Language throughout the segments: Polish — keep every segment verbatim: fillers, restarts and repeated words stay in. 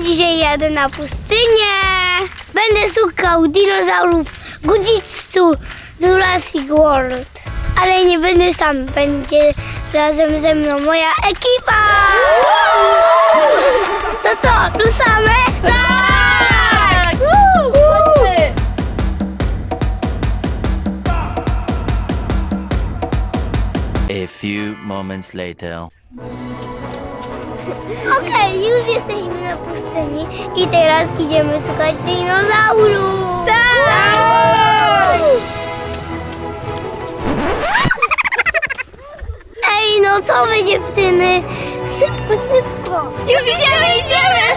dzisiaj jadę na pustynię. Będę szukał dinozaurów Gujitsu Jurassic World. Ale nie będę sam, będzie razem ze mną moja ekipa. To co, ruszamy? Tak! Chodźmy! A few moments later. Okej, już jesteśmy na pustyni i teraz idziemy szukać dinozaurów. Tak! Ej, no co wy dziewczyny? Szybko, szybko. Już idziemy, idziemy!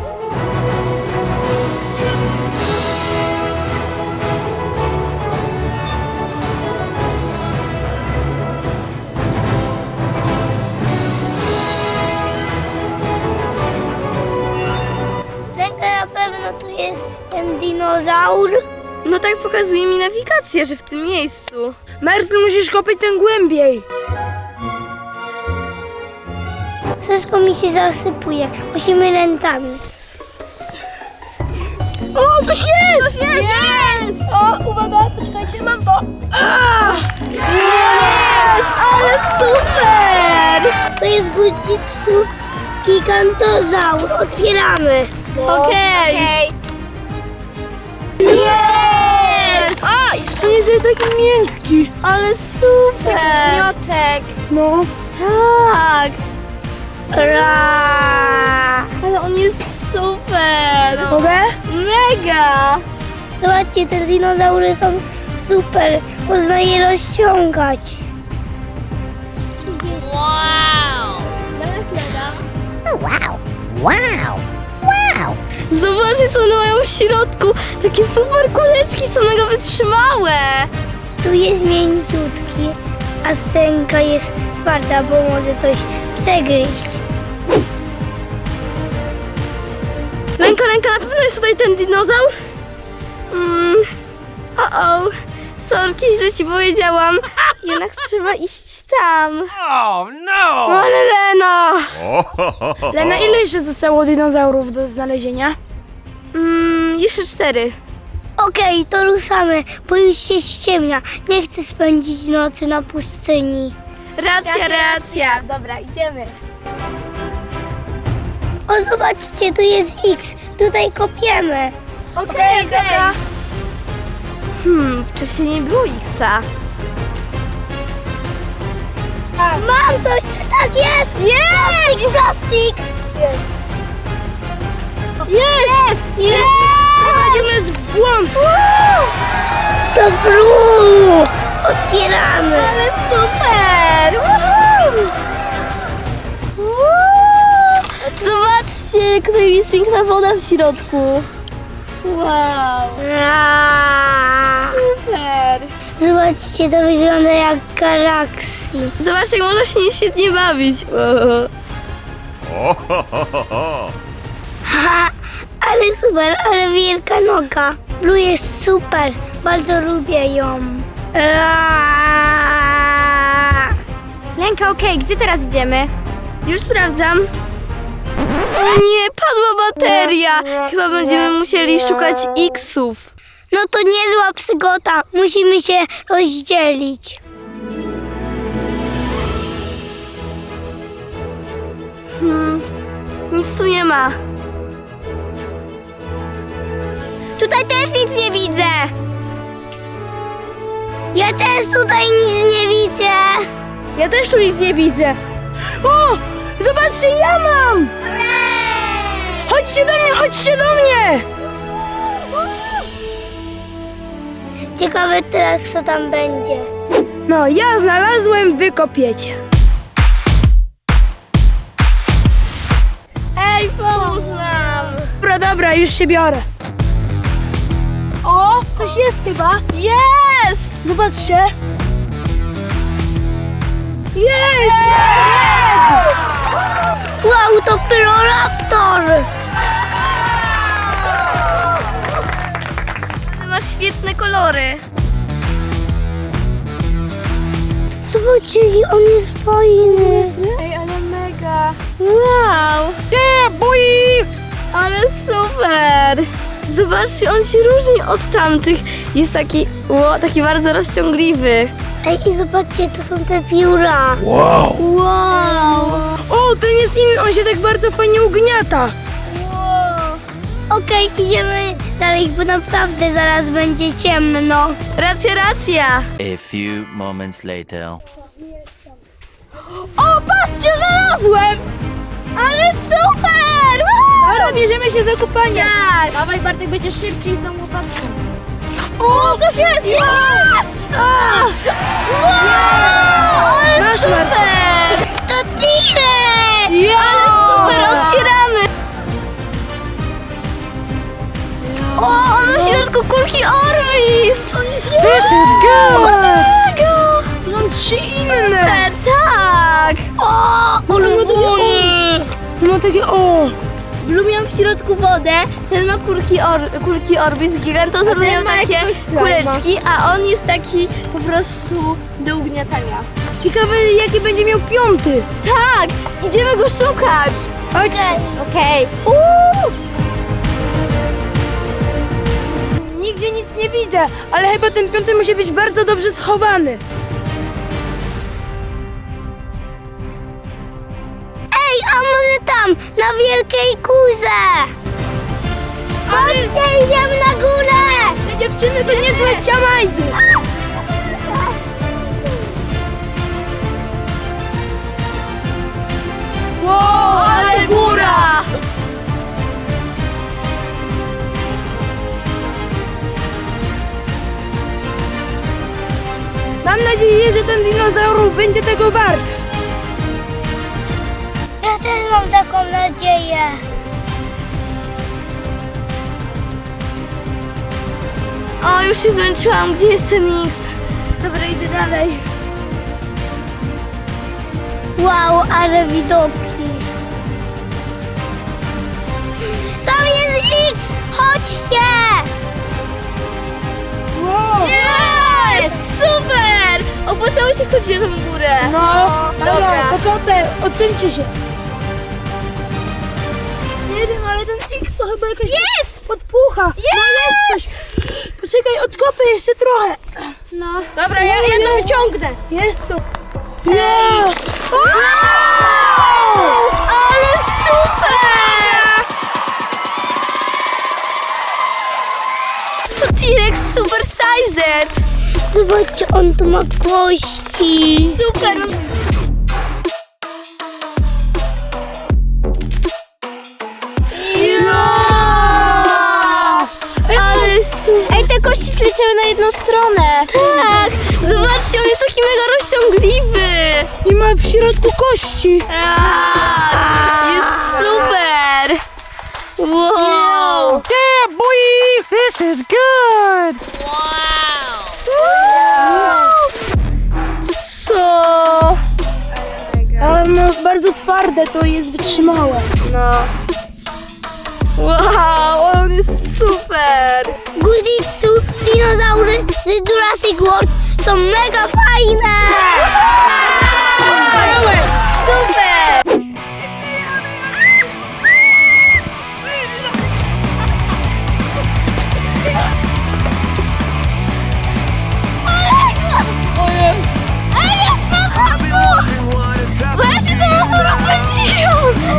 Lenka, na pewno tu jest ten dinozaur. No tak pokazuje mi nawigacja, że w tym miejscu. Mercy, musisz kopać ten głębiej. Wszystko mi się zasypuje. Musimy ręcami. O, coś jest! Coś jest! Jest! O, uwaga, poczekajcie, mam to. Jest! Ale super! To jest Gujitsu Gigantozaur. Otwieramy. Okej. Jest! O, jeszcze To jest taki miękki. ale super! Miotek. No. Tak! Ra. Ale on jest super! Mogę? Mega! Zobaczcie, te dinozaury są super. Można je rozciągać. Zobaczcie, co one mają w środku! Takie super kuleczki, są mega wytrzymałe! Tu jest mięciutki, a stęka jest twarda, bo może coś przegryźć. Lenka, Lenka, na pewno jest tutaj ten dinozaur? Mm. O-o. Sorki, źle ci powiedziałam. Jednak trzeba iść tam. Oh no! Ale Lena! Lena, ile jeszcze zostało dinozaurów do znalezienia? Mm, jeszcze cztery. Okej, to ruszamy, bo już się ściemnia. Nie chcę spędzić nocy na pustyni. Racja, racja. Dobra, idziemy. O, zobaczcie, tu jest X. Tutaj kopiemy. Okej, dobra. Hmm, wcześniej nie było X-a. Mam coś! Tak jest! Plastik, plastik! Jest! Jest! Jest! Prowadzimy nas w błąd. To brzuch! Otwieramy! Ale super! Woohoo! Woo! Zobaczcie, jaka jest piękna woda w środku. Wow! Ra. Super! Zobaczcie, to wygląda jak galaksji. Zobaczcie, jak można się nie świetnie bawić. Wow. Haha, ale super, ale wielka noga. Blue jest super, bardzo lubię ją. Ra. Lenka, okej, gdzie teraz idziemy? Już sprawdzam. O nie, padła bateria. Chyba będziemy musieli szukać X-ów. No to niezła przygoda, musimy się rozdzielić. Hmm, nic tu nie ma. Tutaj też nic nie widzę. Ja też tutaj nic nie widzę. Ja też tu nic nie widzę. O, zobaczcie, ja mam. Chodźcie do mnie, chodźcie do mnie. Ciekawe teraz, co tam będzie. No, ja znalazłem, wy kopiecie. Ej, pomóż nam. Dobra, dobra, już się biorę. O, coś jest chyba. Jest! Zobaczcie. Jest! Wow, to Pyroraptor! Ma świetne kolory. Zobaczcie, jaki on jest fajny. Ej, ale mega. Wow. Yeah, boy! O Ale super! Zobaczcie, on się różni od tamtych. Jest taki, ło, taki bardzo rozciągliwy. Ej, i zobaczcie, to są te pióra. Wow. Wow! O, ten jest inny, on się tak bardzo fajnie ugniata. Okej, idziemy dalej, bo naprawdę zaraz będzie ciemno. Racja, racja! A few moments later. O, patrzcie, znalazłem! Ale super! Woo! Dobra, bierzemy się za kopanie. Tak! Dawaj Bartek, będziesz szybciej z tą łopatką. O, coś jest! Jest! A! Wow! Ale Masz, super! To T-Rex! Ja! Ale super, otwieramy! O, on ma w środku kulki Orbis! On jest This is good! mega! Są trzy inne. Super, tak! O, ulwony! Ma takie, o. Blue miał w środku wodę, ten ma kulki, or, kulki Orbis, Gigantosaur ten miał ma takie jakiegoś slajma. kuleczki, a on jest taki po prostu do ugniatania. Ciekawe, jaki będzie miał piąty. Tak! Idziemy go szukać! Chodź. Okej. Uuu! Nigdzie nic nie widzę, ale chyba ten piąty musi być bardzo dobrze schowany. Ej, a może tam, na wielkiej kurze? Chodźcie, idziemy na górę! Te dziewczyny to niezłe ciamajdy. Wow, ale góra! Mam nadzieję, że ten dinozaur będzie tego wart. Ja też mam taką nadzieję. O, już się zmęczyłam. Gdzie jest ten X? Dobra, idę dalej. Wow, ale widoki. Tam jest X! Chodźcie! Wow. Jest! Super! Opłacało się chodzić na tą górę. No, Dobra. dobra, poczekaj, odsuńcie się. Nie wiem, ale ten X to chyba jakaś Jest! podpucha. No jest coś. Poczekaj, odkopię jeszcze trochę. No. Dobra, ja, ja to wyciągnę. Jest co? Yeah. Ale super! To T-Rex Super Sized! Zobaczcie, on tu ma kości. Super! Ja! Ale super! Ej, te kości zleciały na jedną stronę. Tak! Zobaczcie, on jest taki mega rozciągliwy! I ma w środku kości. Tak! Jest super! Wow! Yeah, boy! This is good! Co? Ale no bardzo twarde, to jest wytrzymałe. No. Wow, on jest super! Guzitsu, dinozaury z Jurassic World są mega fajne! Super! Bo ja się teraz rozpędziłam!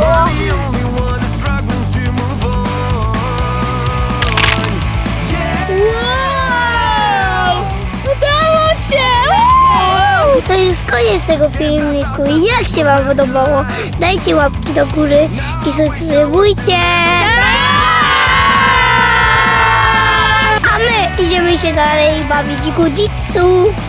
Wow! Udało się! Wow! To jest koniec tego filmiku. I jak się wam podobało? Dajcie łapki do góry i subskrybujcie! A my idziemy się dalej bawić Guzitsu.